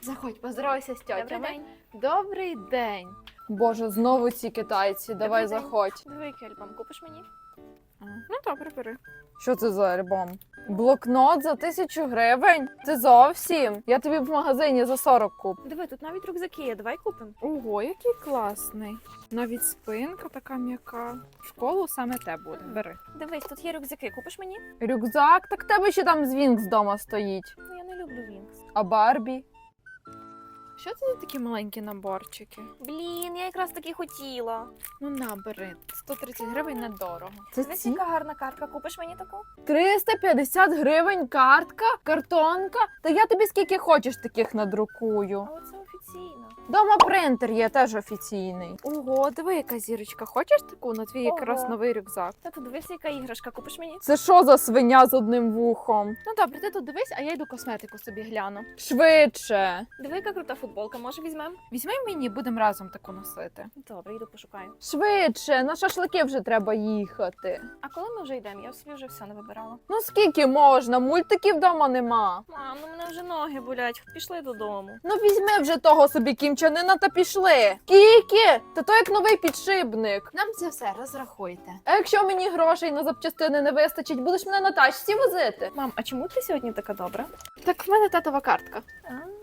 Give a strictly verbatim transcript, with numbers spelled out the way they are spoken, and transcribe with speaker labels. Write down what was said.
Speaker 1: Заходь, поздоровайся з тьотями.
Speaker 2: Добрий день.
Speaker 1: Добрий день. Боже, знову ці китайці. Давай
Speaker 2: Добрий день.
Speaker 1: заходь.
Speaker 2: Диви, який альбом купиш мені?
Speaker 1: Ну добре, бери. Що це за альбом? Блокнот за тисячу гривень? Це зовсім? Я тобі в магазині за сорок куп.
Speaker 2: Диви, тут навіть рюкзаки є, давай купимо.
Speaker 1: Ого, який класний. Навіть спинка така м'яка. В школу саме те буде. Бери.
Speaker 2: Дивись, тут є рюкзаки, купиш мені?
Speaker 1: Рюкзак? Так в тебе ще там Звінкс вдома стоїть.
Speaker 2: Ну, я не люблю Вінкс.
Speaker 1: А Барбі? Що це за такі маленькі наборчики?
Speaker 2: Блін, я якраз таки хотіла.
Speaker 1: Ну на, бери. сто тридцять гривень недорого. Це
Speaker 2: Дивись, яка гарна картка, купиш мені таку?
Speaker 1: триста п'ятдесят гривень картка? Картонка? Та я тобі скільки хочеш таких надрукую.
Speaker 2: Але це офіційно.
Speaker 1: Дома принтер є теж офіційний. Ого, диви, яка зірочка. Хочеш таку на твій якраз
Speaker 2: Ого.
Speaker 1: новий рюкзак?
Speaker 2: Та тут дивись, яка іграшка, купиш мені?
Speaker 1: Це що за свиня з одним вухом? Ну добре, ти тут дивись, а я йду косметику собі гляну. Швидше.
Speaker 2: Диви, яка крута футболка, може візьмемо?
Speaker 1: Візьми мені, будемо разом таку носити.
Speaker 2: Добре, йду пошукаю.
Speaker 1: Швидше, на шашлики вже треба їхати.
Speaker 2: А коли ми вже йдемо? Я собі вже все не вибирала.
Speaker 1: Ну скільки можна? Мультиків вдома нема.
Speaker 2: Мам, ну мене вже ноги болять, пішли додому.
Speaker 1: Ну візьми вже того собі кімчанина та пішли. Скільки? Та то як новий підшипник. Нам це все розрахуйте. А якщо мені грошей на запчастини не вистачить, будеш мене на тачці возити?
Speaker 2: Мам, а чому ти сьогодні така добра?
Speaker 1: Так в мене татова картка.
Speaker 2: А,